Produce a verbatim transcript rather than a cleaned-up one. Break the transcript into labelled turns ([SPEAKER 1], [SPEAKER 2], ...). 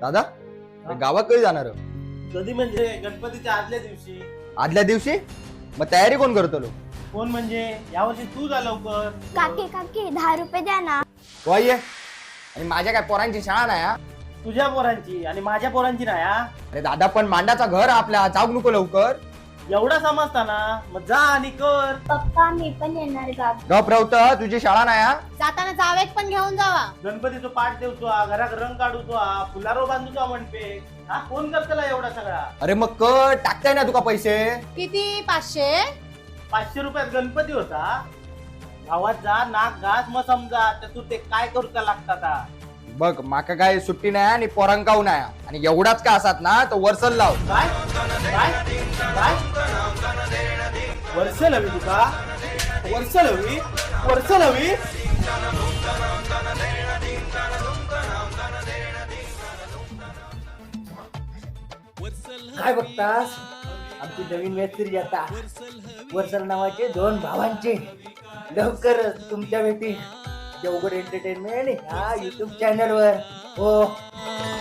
[SPEAKER 1] दादा गावात कधी जाणार हो?
[SPEAKER 2] कधी म्हणजे गणपतीच्या आदल्या दिवशी.
[SPEAKER 1] आदल्या दिवशी? मग तयारी कोण करतो लो?
[SPEAKER 2] कोण म्हणजे यावर्षी तू जा लवकर.
[SPEAKER 3] काकी काकी दहा रुपये द्या ना.
[SPEAKER 1] तू आई आहे आणि माझ्या काय पोरांची शाळा नाही हा?
[SPEAKER 2] तुझ्या पोरांची आणि माझ्या पोरांची नाही हा?
[SPEAKER 1] अरे दादा पण मांडाचा घर आपल्या जाऊ नको लवकर.
[SPEAKER 2] एवढा समजता ना मग जा आणि कर.
[SPEAKER 3] पप्पा मी पण येणार गाव.
[SPEAKER 1] गप रवत तुझी शाळा नाही हा?
[SPEAKER 4] जाताना जावेत पण घेऊन जावा.
[SPEAKER 2] गणपतीचं पाठ देवतो हा, घरात रंग काढूतो हा, फुलारो बांधतो म्हणते हा. कोण करतला एवढा सगळा?
[SPEAKER 1] अरे मग कर टाकताय ना तुका पैसे.
[SPEAKER 4] किती? पाचशे?
[SPEAKER 2] पाचशे रुपयात गणपती होता. गावात जा नाक घास मग समजा तर तू ते काय करूचा लागतात हा.
[SPEAKER 1] बघ माका काय सुट्टी नाही आणि पोरांकाऊ नाही आणि एवढाच का असात ना तो वर्सल लाव.
[SPEAKER 2] काय काय काय वर्षल हवी तुका? वर्षल हवी? वर्षल हवी? काय बघतास? आमची नवीन वेब सिरीज आता वर्षल नावाचे दोन भावांचे लवकरच तुमच्या भेटी देवगड एंटरटेनमेंट ह्या युट्यूब चॅनलवर. हो.